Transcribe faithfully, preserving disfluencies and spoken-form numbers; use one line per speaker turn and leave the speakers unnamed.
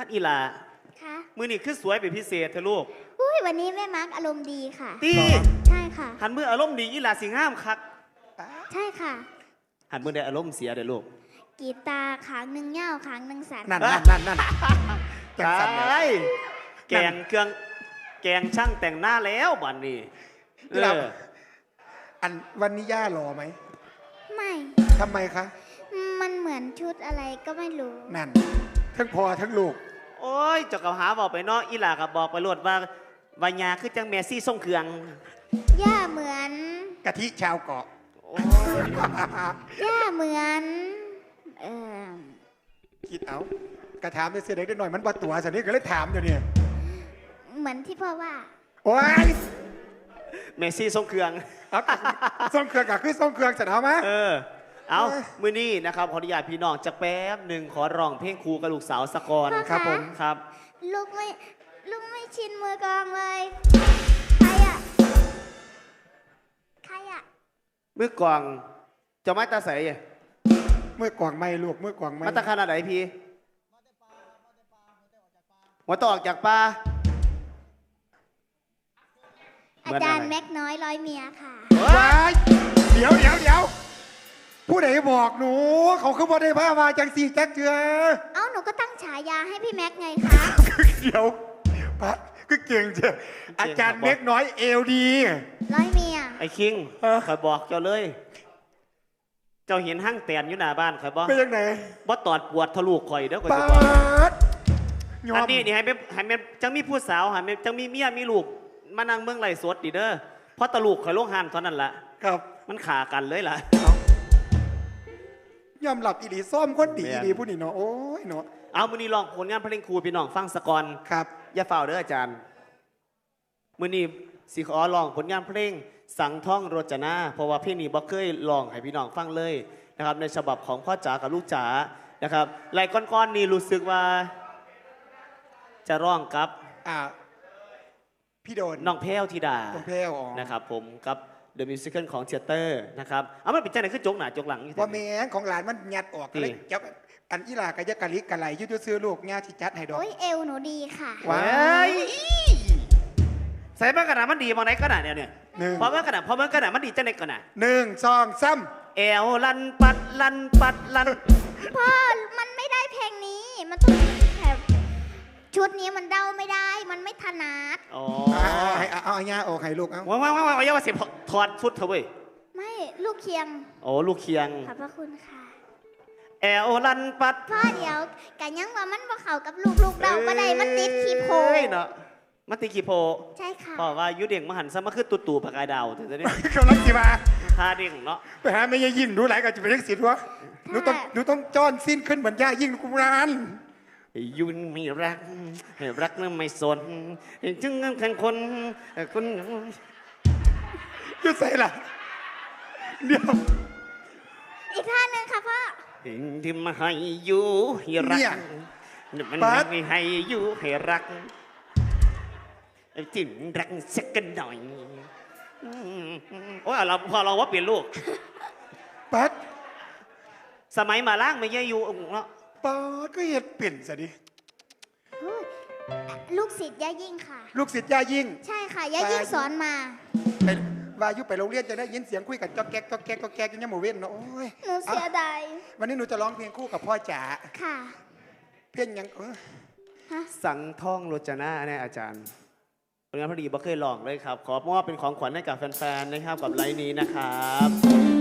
อีหลา
ค่ะ
มือนี่คือสวยเป็นพิเศษเธอลูก
อุ้ยวันนี้แม่มาร์กอารมณ์ดีค่ะ
ตี
ใช่ค่ะ
หันมืออารมณ์ดีอีหลาสิงห้ามคัก
ใช่ค่ะ
หันมือได้อารมณ์เสียเด้อลูก
กีตาร์ขางหนึ่งเง่าขางหนึ่งสัน
นั่นนั่นนั่นนั่น
แกงแกงเครื่องแกงช่างแต่งหน้าแล้วบัดนี้เออ
อันวันนี้ย่าหล่อไหม
ไม่
ทำไมคะ
มันเหมือนชุดอะไรก็ไม่รู้
นั่นทั้งพ่อทั้งลูก
โอ้ยเจ้ากับหาบอกไปเนาะอีหลากับบอกไปรวดว่าวายาคือจังเมซี่ส่งเครื่อง
ย่าเหมือน
กะทิชาวเกาะ
ย่าเหมือนเออ
คิดเอากระถามเสียเด็กได้หน่อยมันบาตัวสันนี้ก็เลยถามอยู่เนี่ย
เหมือนที่พ่อว่า
โอ้ย
เมซี่ส่งเครื่อง
ส่งเครื่องกับคือส่งเครื่องเสร็จเอาไหม
เออเอามือนี้นะครับขออนุญาตพี่น้องจะแป๊บหนึ่งขอร้องเพลงครูกับลูกสาวสกอน
ครับ
ผมครับ
ลูกไม่ลูกไม่ชินมือกองเลยใครอะใครอะ
มือกวางจะไม่ตาใส
เมื่อกวางไม่ลูกเมื่อกวางไม่
มาตาขนาดไหนพี่หัวตออกจากปลา
อาจารย์แม็กน้อยร้อยเมียค่ะ
เดี๋ยวเดี๋ยวเดี๋ยวผู้ใดบอกหนูเขาคือบ่ได้พามาจังสีจักเจือ
เอ้าหนูก็ตั้งฉายาให้พี่แม็กไงคะ
เดี๋ยวพัดก็เก่งเจ้อาจารย์แม็กน้อยเอลดี
ร้อยเมีย
ไอ้คิงคอยบอกเจ้าเลยเจ้าเห็นห้างแตนอยู่หน้าบ้านคอยบอก
เป็นยังไง
บ่ตอดปวดทะลุข่อยเด้อข่อย
จะ
บอกอันนี้นี่ให้เป็นให้เป็นจังมีผู้สาวให้เป็นจังมีเมียมีลูกมานั่งเมืองไหลสดดิเด้อเพราะตะลูกข่อยลงหันเท่านั้นละ
ครับ
มันขากันเลยล่ะ
ยอมหลับอีดีซ่อมคนดีอีดีผู้นี่เนาะโอ้ยเนาะ
เอามือนี้ลองผลงานเพลงครูพี่น้องฟังสกอน
ครับ
อย่าเฝ้าเด้ออาจารย์มือนี้สิขอลองผลงานเพลงสังท่องโรจนาเพราะว่าเพลงนี้บ่เคยลองให้พี่น้องฟังเลยนะครับในฉบับของพ่อจ๋ากับลูกจ๋านะครับไล่ก้อนๆนี่รู้สึกว่าจะร้องกับ
อ่าพี่โดน
น้องแพ้วธิดา
น้องแพ้วอ๋อ
นะครับผมกับเดอะมิวสิคลของเทเตอร์นะครับเอามันเป็นจังไหนคือจกหน้าจกหลัง
ว่าแม่ของหลานมันยัดออกเลยจับอันอีหลากะยะกะลิกะไหลยุดซื้อลูกง่าที่จัดให้ดอก
โอ้ยเอวหนูดีค่ะ
ว้ายใส่เมื่อกระดาษมันดีมองไหนกระดาษเนี่ยเนี่ยพอเมื่อกระดาษพอเมื่อกระดาษมันดีจังไหนกระดาษ
หนึ่งสองซ้
ำเอวลันปัดลันปัดลัน
พ่อมันไม่ได้เพลงนี้มันต้องแบบชุดนี้มันเดาไม่ได้มันไม่ถนัด
อ๋อ
เอาเอาเอาง่าโอ้ให้ลูกเอา
ว้าวว้าวว้าวอย่าว่าเสียถอดชุดเถอะเว้ย
ไม่ลูกเคียง
โอ้ลูกเคียง
ขอบพระคุณค่ะ
แอลลันปัด
พ่อเดี๋ยวกันยังว่ามันบ่เข้ากับลูกลูกเราบ่ได้มันติดขี้โพ
เนาะมันติดขี้โพ
ใช่ค่ะ
บอกว่ายุเด่งมหันซะมาคือตู่ตู่ปากกายดาวเถอะเนี่ย
กำลังสิมา
ท่าเด่งเนาะ
ไปหาไม่ยิ่งดูหลายกันจะเป็นเรื่องสิทธิ์วะหนูต้องหนูต้องจ้อนสิ้นขึ้นเหมือนย่ายิ่งกุมราน
ยุนไม่รักรักนั้นไม่สนจึงเงินแข่งคนคน
ยุดใส่ละเดี๋ยว
อีกท่านึงค่ะพ่อ
ที่มาให้อยู่ให้รักมันไม่ให้อยู่ให้รักจิ้มรักสักกันหน่อยโอ้ยเราพอเราว่าเปลี่ยนลูก
ปัด
สมัยมาล่างไม่เยอะอยู่เนาะ
ปัดก็เห็ดเปลี่ยนซะดิ
ลูกศิษย์ย่ายิ่งค่ะ
ลูกศิษย์ย่ายิ่ง
ใช่ค่ะย่ายิ่งสอนมา
เป็นวายุไปโรงเรียนจะได้ยินเสียงคุยกันจ๊อกแก๊กจ๊อกแก๊กจ๊อกแก๊กยังโมเว้นเนาะโอ้ย
หนูเสียดาย
วันนี้หนูจะร้องเพลงคู่กับพ่อจ๋า
ค่ะ
เพลงยังเออ
สังท่องโรจนาเนี่ยอาจารย์ผลงานพอดีบ่เคยลองเลยครับขอมอบเป็นของขวัญให้กับแฟนๆนะครับกับไลน์นี้นะครับ